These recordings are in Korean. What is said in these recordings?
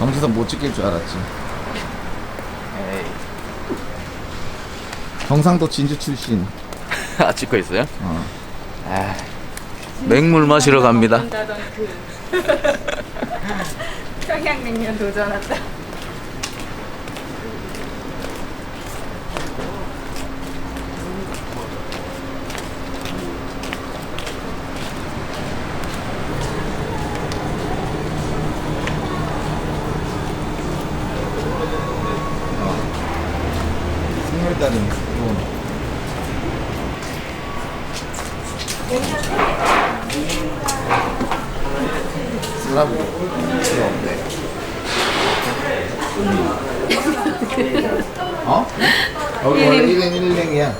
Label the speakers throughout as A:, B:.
A: 정지선 못 찍힐 줄 알았지. 에이. 경상도 진주 출신.
B: 아, 찍고 있어요?
A: 어.
B: 아, 맹물 마시러 갑니다.
C: 평양냉면 도전한다.
A: 생물다리. 슬라브 필요 없네. 어? 여기 원래 1행 1행이야.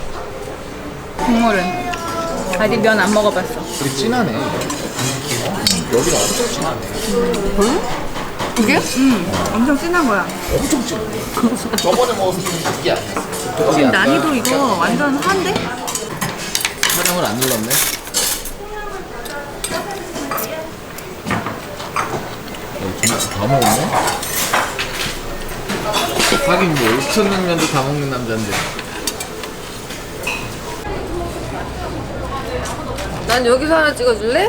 C: 국물은 아직 면 안 먹어봤어.
A: 되게 진하네. 여기가 엄청 진하네.
C: 이게? 응. 엄청 진한 거야.
A: 엄청 진해. 저번에 먹었을 때는 그게 아니었어.
C: 지금 난이도 이거 완전 한데?
A: 촬영을 안 눌렀네. 다 먹었네? 하긴 뭐 5,000냉면도 다 먹는 남자인데.
D: 난 여기서 하나 찍어줄래?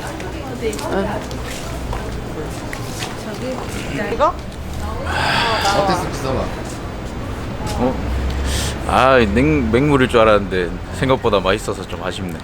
C: 이거?
A: 어땠어, 비서가?
B: 어? 아, 맹물일 줄 알았는데 생각보다 맛있어서 좀 아쉽네.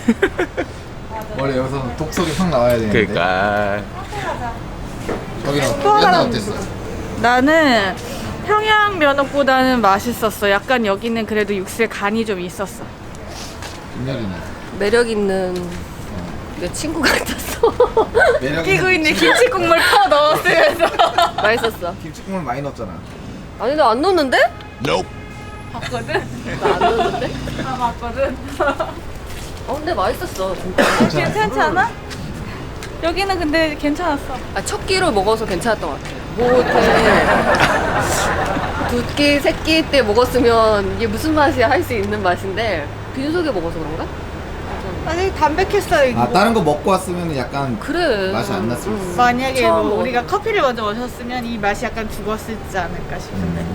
A: 원래 여기서 독석이 확 나와야 되는데.
B: 그러니까
A: 저기는
C: 또 하나
A: 면은 어땠어?
C: 나는 평양 면옥보다는 맛있었어. 약간 여기는 그래도 육수에 간이 좀 있었어.
A: 김여린이.
D: 매력 있는 내 친구 같았어.
A: 매력
C: 끼고 있는 김치 국물 퍼 넣었으면서.
D: 맛있었어.
A: 김치국물 많이 넣었잖아.
D: 아니 나 안 넣었는데?
C: 봤거든?
D: 나 안 넣었는데?
C: 아, 봤거든?
D: 근데 맛있었어 진짜.
C: 괜찮지 않아? 여기는 근데 괜찮았어.
D: 첫 끼로 먹어서 괜찮았던 것 같아. 뭐 이렇게 두 끼, 세 끼 때 먹었으면 이게 무슨 맛이야 할 수 있는 맛인데 빈속에 먹어서 그런가?
C: 아니 담백했어요. 이거.
A: 아, 다른 거 먹고 왔으면 약간
D: 그래.
A: 맛이 안 났을 수 있어.
C: 만약에
D: 처음
C: 뭐 우리가
D: 먹었는데.
C: 커피를 먼저 마셨으면 이 맛이 약간 죽었을지 않을까 싶은데.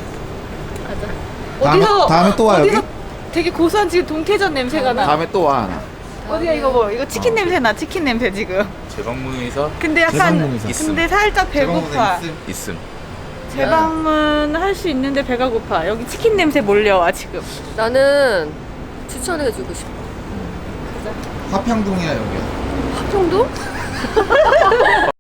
D: 맞아.
A: 다음에 또 와, 여기?
C: 어디서 되게 고소한 지금 동태전 냄새가 나.
A: 다음에 또 와, 하나.
C: 어디야 이거 뭐 이거 치킨 냄새 나. 치킨 냄새 지금.
B: 재방문에서
C: 근데 약간
A: 재방문에서.
C: 근데 살짝 배고파.
B: 있음.
C: 재방문 할 수 있는데 배가 고파. 여기 치킨 냄새 몰려와 지금.
D: 나는 추천해주고 싶어.
A: 화평동이야, 여기.
D: 합정도?